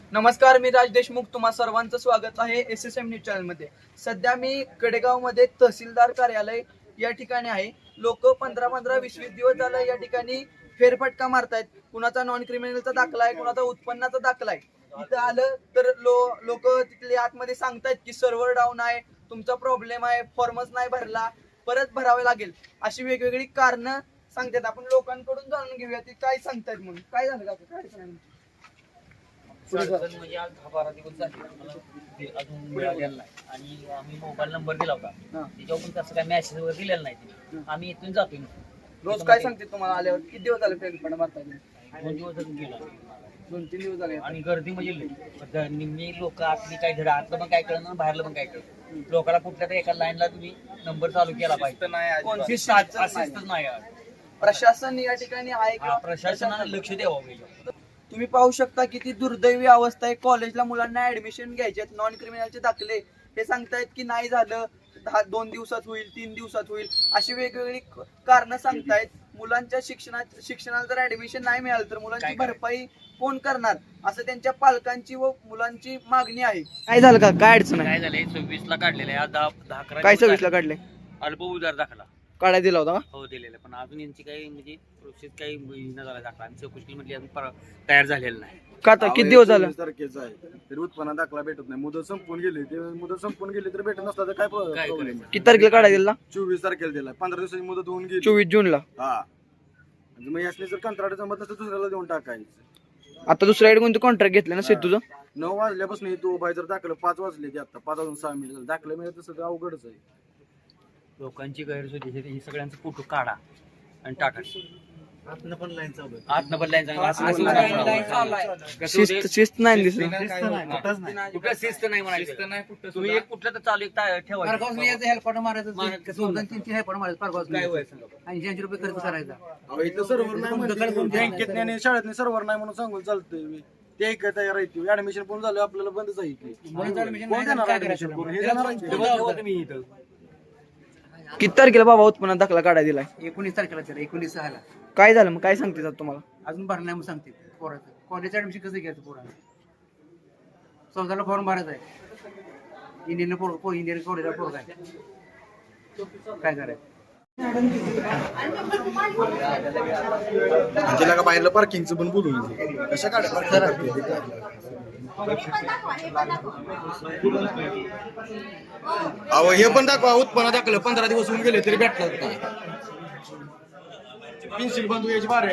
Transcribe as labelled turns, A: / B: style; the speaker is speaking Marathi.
A: नमस्कार, मी राज देशमुख. तुम्हा सर्वांचं स्वागत आहे SSM न्यूज चॅनलमध्ये. सध्या मी कडेगावमध्ये तहसीलदार कार्यालय या ठिकाणी आहे. लोक 15-20 दिवस झालं या ठिकाणी फेरफटका मारतायत. कुणाचा नॉन क्रिमिनलचा दाखला आहे, कुणाचा उत्पन्नाचा दाखला आहे. इथं आलं तर लोक तिथले आतमध्ये सांगतायत की सर्व्हर डाऊन आहे, तुमचा प्रॉब्लेम आहे, फॉर्मच नाही भरला, परत भरावे लागेल, अशी वेगवेगळी कारणं सांगतात. आपण लोकांकडून जाणून घेऊया ते काय सांगतायत म्हणून. काय झालं का? काय
B: म्हणजे आज 10-12 दिवस झाले अजून मिळालेला नाही आणि आम्ही मोबाईल नंबर दिला होता त्याच्यावर पण तसं काय मेसेज वगैरे दिलेला नाही. आम्ही इथून जातोय
A: रोज काय सांगते तुम्हाला आल्यावर? किती दिवस झाले फेरफटका मारताय?
B: 2 दिवस गेला
A: 2-3 दिवस झाले.
B: आणि गर्दी म्हणजे निम्मी लोक आतली काय धडा आतलं पण काय कळलं बाहेरलं पण काय कळलं. लोकांना कुठल्या तरी एका लाईनला तुम्ही नंबर चालू केला पाहिजे.
A: कोणती
B: असंच नाही.
A: प्रशासन या ठिकाणी आहे का?
B: प्रशासनाने लक्ष द्यावं.
A: तुम्ही पाहू शकता किती दुर्दैवी अवस्था आहे. कॉलेजला मुलांना ऍडमिशन घ्यायचे, नॉन क्रिमिनलचे दाखले हे सांगतायत की नाही झालं, 2 दिवसात होईल, 3 दिवसात होईल, अशी वेगवेगळी कारण सांगतायत. मुलांच्या शिक्षणाला जर ऍडमिशन नाही मिळालं तर मुलांची भरपाई कोण करणार, असं त्यांच्या पालकांची व मुलांची मागणी आहे. काय झालं का? काय अडचण आहे?
B: काय झालंय 26 ला काढलेलं आहे, 10-11
A: काय 26 ला काढले?
B: अल्प उधार दाखला
A: काढायला दिला होता का?
B: हो दिलेलं, पण अजून यांची काही म्हणजे प्रोसेस काही न झाला दाखला आणि चौकशी मध्ये अजून तयार झालेलं नाही.
A: का आता किती दिवस झालं?
C: तारखेचा आहे तरी उत्पन्न दाखला भेटत नाही. मुदत संपून गेली, ते मुदत संपून गेली तर भेटत नसला तर काय प्रॉब्लेम?
A: किती तारखेला काढायला दिला?
C: 24 तारखेला दिला. 15 दिवसाची मुदत होऊन गेली.
A: 24 जूनला.
C: हा, म्हणजे मग यासने जर कंत्राट जमत नसतं दुसऱ्याला देऊन टाकायचं.
A: आता दुसऱ्याकडे कोणतं कॉन्ट्रॅक्ट घेतलं ना तुझं?
C: 9 वाजल्यापासून तो बाय जर दाखलं 5 वाजले की आता 5 वाजून 6 मिनिट दाखलं मिळत तसं तर अवघडच आहे.
B: लोकांची गैरसोय हे सगळ्यांचा फोटो काढा आणि टाका. आतनं पण लाईन चालू
A: शिस्त नाही दिसत.
B: कुठं शिस्त नाही म्हणायचं. तुम्ही एक कुठलं तर चालू एक ठेवायचं.
C: इथं सर्व्हर नाही, बँकेत आणि शाळेत सर्व्हर नाही म्हणून सांगून चालतंय. ते काय तयार आहे, ऍडमिशन पूर्ण झालं आपल्याला बंदच आहे की.
B: तुम्ही इथं
A: किती तारखेला बाबा उत्पन्न दाखला काढायला दिलाय?
D: 19 तारखेला 19/6
A: काय झालं मग? काय सांगते तुम्हाला?
D: अजून भरणार म्हणून सांगते. पोराचं कॉलेज ऍडमिशन कसं घ्यायचं? पोराला 14ला फॉर्म भरायचा आहे. इंडियन कॉलेजला पोरगा आहे. काय करायचं?
C: तिला का बाहेरलं पार्किंगचं पण बोलून कशा काढायला? अहो हे पण दाखवा, उत्पन्न दाखलं 15 दिवस होऊन गेले तरी भेटतात नाही. पेन्सिल बंद यायची बारे